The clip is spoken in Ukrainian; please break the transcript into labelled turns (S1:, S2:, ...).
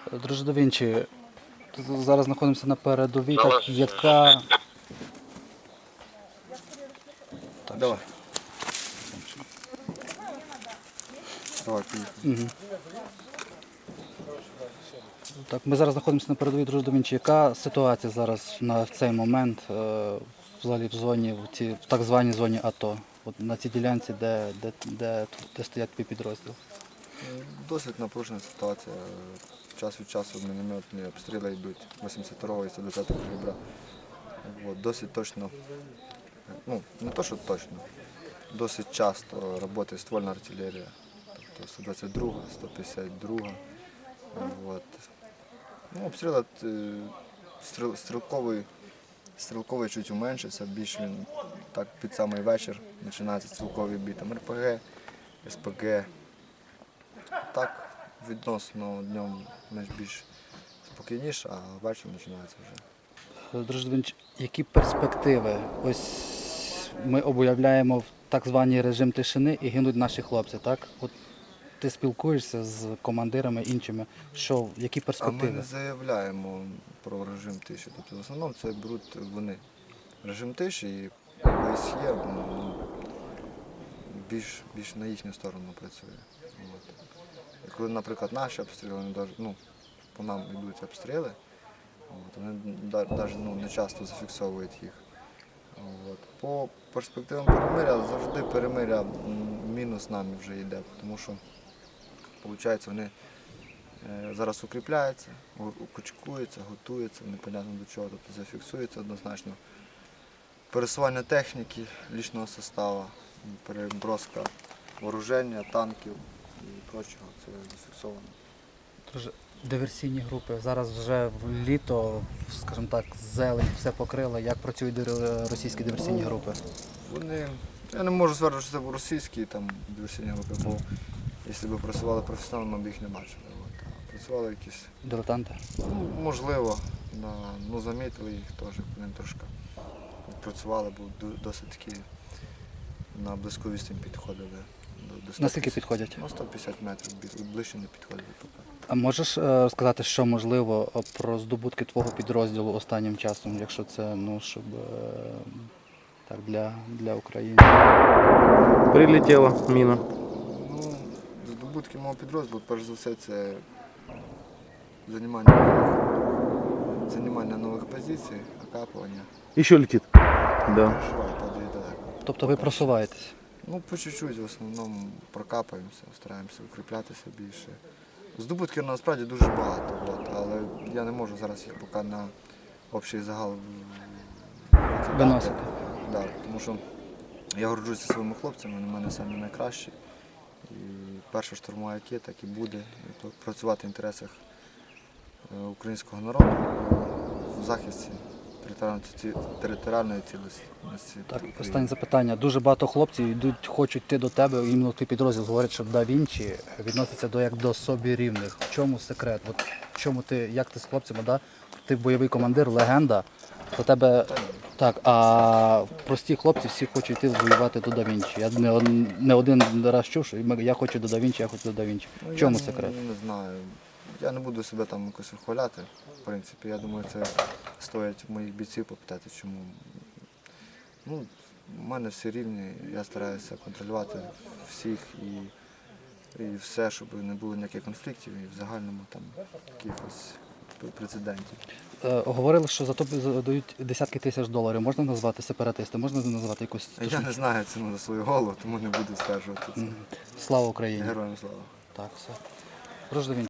S1: Друже да Вінчі, зараз знаходимося на передовій, так, яка... Так,
S2: Давай. Давай, поїхали.
S1: Так, ми зараз знаходимося на передовій, друже да Вінчі. Яка ситуація зараз на цей момент взагалі в зоні, в так званій зоні АТО? От на цій ділянці, де стоять твій підрозділ?
S2: Досить напружена ситуація. Час від часу мінометні обстріли йдуть 82-го і 120-го калібра. Досить точно, ну не то, що точно, досить часто працює ствольна артилерія, тобто 122, 152. Ну, обстріл стрілковий чуть уменшився, більш він так під самий вечір починається стрілковий бій, там РПГ, СПГ. Так, відносно днем більш спокійніше, а ввечері починається вже.
S1: Друже да Вінчі, які перспективи? Ось ми об'являємо в так званий режим тишини і гинуть наші хлопці, так? От ти спілкуєшся з командирами іншими, які
S2: А ми
S1: перспективи?
S2: не заявляємо про режим тиші. Тобто в основному це беруть вони. Режим тиші і ОСЄ більш на їхню сторону працює. І коли, наприклад, наші обстріли, по нам йдуть обстріли, вони навіть не часто зафіксовують їх. По перспективам перемиря завжди перемиря мінус нами вже йде, тому що виходить, вони зараз укріпляються, кучкуються, готуються, непонятно до чого, тобто зафіксується однозначно. Пересування техніки, лічного составу, переброска вооруження, танків і прочого, це зафіксовано.
S1: Друже, диверсійні групи. Зараз вже в літо, скажімо так, зелень все покрила. Як працюють російські диверсійні групи?
S2: Я не можу стверджувати, що це російські диверсійні групи, бо якщо б працювали професіонально, ми б їх не бачили. А працювали якісь...
S1: Дилетанти?
S2: Можливо, замітили їх теж, вони трошки працювали, бо досить таки на близьку відстань підходили.
S1: Наскільки підходять?
S2: 150 метрів, ближче не підходили поки.
S1: А можеш розказати, що можливо про здобутки твого підрозділу останнім часом, якщо це, щоб так, для України?
S3: Прилетіла міна.
S2: Здобутки мого підрозділу, перш за все, це займання нових позицій, окапування.
S3: І що летить? Да.
S2: Просуває, падає далеко.
S1: Тобто ви просуваєтесь?
S2: По чуть-чуть, в основному прокапаємося, стараємося укріплятися більше. Здобутків насправді дуже багато, але я не можу зараз їх поки на общий загал
S1: Виносити.
S2: Да, тому що я горджуся своїми хлопцями, вони в мене самі найкращі. І перша штурмова ракета, так і буде, і працювати в інтересах українського народу в захисті територіальної цілісності.
S1: Так, останнє запитання. Дуже багато хлопців хочуть йти до тебе, іменно твій підрозділ говорять, що да Вінчі відноситься як до собі рівних. В чому секрет? Як ти з хлопцями, да? Ти бойовий командир, легенда, до тебе так, а прості хлопці всі хочуть йти воювати до да Вінчі. Я не один раз чув, що я хочу до да Вінчі, я хочу до да Вінчі. В чому секрет?
S2: Я не знаю. Я не буду себе там якось вихваляти, в принципі. Я думаю, це стоїть моїх бійців попитати, чому. У мене всі рівні, я стараюся контролювати всіх і все, щоб не було ніяких конфліктів і в загальному якихось прецедентів.
S1: Говорили, що за тобі дають десятки тисяч доларів. Можна назвати сепаратисти? Можна назвати якусь...
S2: Я не знаю ціну за свою голову, тому не буду стверджувати це.
S1: Слава Україні!
S2: Героям слава!
S1: Так, все. Друже да Вінчі.